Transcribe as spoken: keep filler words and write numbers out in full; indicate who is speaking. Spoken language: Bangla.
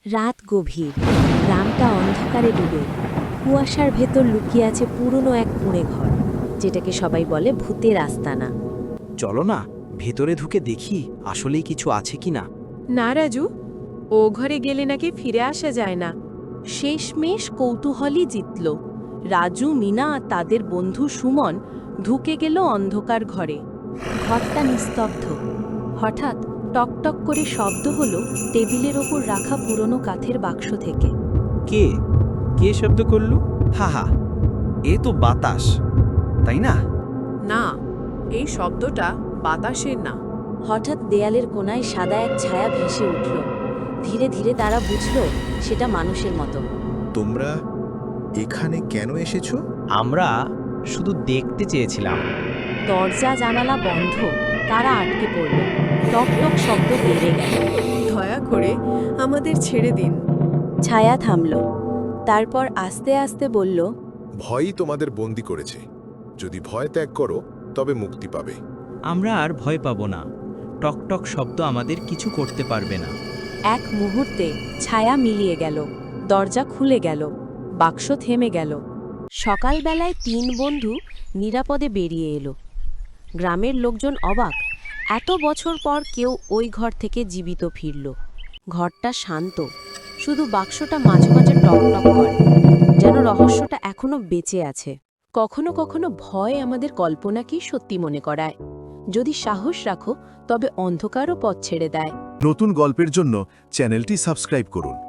Speaker 1: রাত গভীর, গ্রামটা অন্ধকারে ডুবে। কুয়াশার ভেতর লুকিয়ে আছে পুরনো এক কুঁড়ে ঘর, যেটাকে সবাই বলে ভূতের আস্তানা।
Speaker 2: চলো না, ভেতরে ঢুকে দেখি আসলেই কিছু আছে কিনা।
Speaker 3: না রাজু, ও ঘরে গেলে নাকি ফিরে আসা যায় না।
Speaker 1: শেষমেশ কৌতূহলই জিতল। রাজু, মিনা আর তাদের বন্ধু সুমন ঢুকে গেল অন্ধকার ঘরে। ঘরটা নিস্তব্ধ। হঠাৎ টকটক করে শব্দ হলো টেবিলের ওপর রাখা পুরনো কাঠের বাক্স থেকে।
Speaker 2: কে কে শব্দ করল? হা হা, এ তো বাতাস, তাই না?
Speaker 3: না, এই শব্দটা বাতাসের না।
Speaker 1: হঠাৎ দেয়ালের কোণায় সাদা এক ছায়া ভেসে উঠল। ধীরে ধীরে তারা বুঝল সেটা মানুষের মতো।
Speaker 4: তোমরা এখানে কেন এসেছো?
Speaker 2: আমরা শুধু দেখতে চেয়েছিলাম।
Speaker 1: দরজা জানালা বন্ধ, তারা আটকে পড়ল। টক টক শব্দ বেড়ে গেল।
Speaker 3: দয়া করে আমাদের ছেড়ে দিন।
Speaker 1: ছায়া থামল, তারপর আস্তে আস্তে বলল,
Speaker 4: ভয়ই তোমাদের বন্দি করেছে। যদি ভয় ত্যাগ করো তবে মুক্তি পাবে।
Speaker 5: আমরা আর ভয় পাবো না। টকটক শব্দ আমাদের কিছু করতে পারবে না।
Speaker 1: এক মুহূর্তে ছায়া মিলিয়ে গেল, দরজা খুলে গেল, বাক্স থেমে গেল। সকালবেলায় তিন বন্ধু নিরাপদে বেরিয়ে এলো। গ্রামের লোকজন অবাক, এত বছর পর কেউ ওই ঘর থেকে জীবিত ফিরল। ঘরটা শান্ত, শুধু বাক্সটা মাঝে মাঝে টক টক করে, যেন রহস্যটা এখনো বেঁচে আছে। কখনো কখনো ভয় আমাদের কল্পনাকেই সত্যি মনে করায়। যদি সাহস রাখো তবে অন্ধকারও পথ ছেড়ে দেয়।
Speaker 6: নতুন গল্পের জন্য চ্যানেলটি সাবস্ক্রাইব করুন।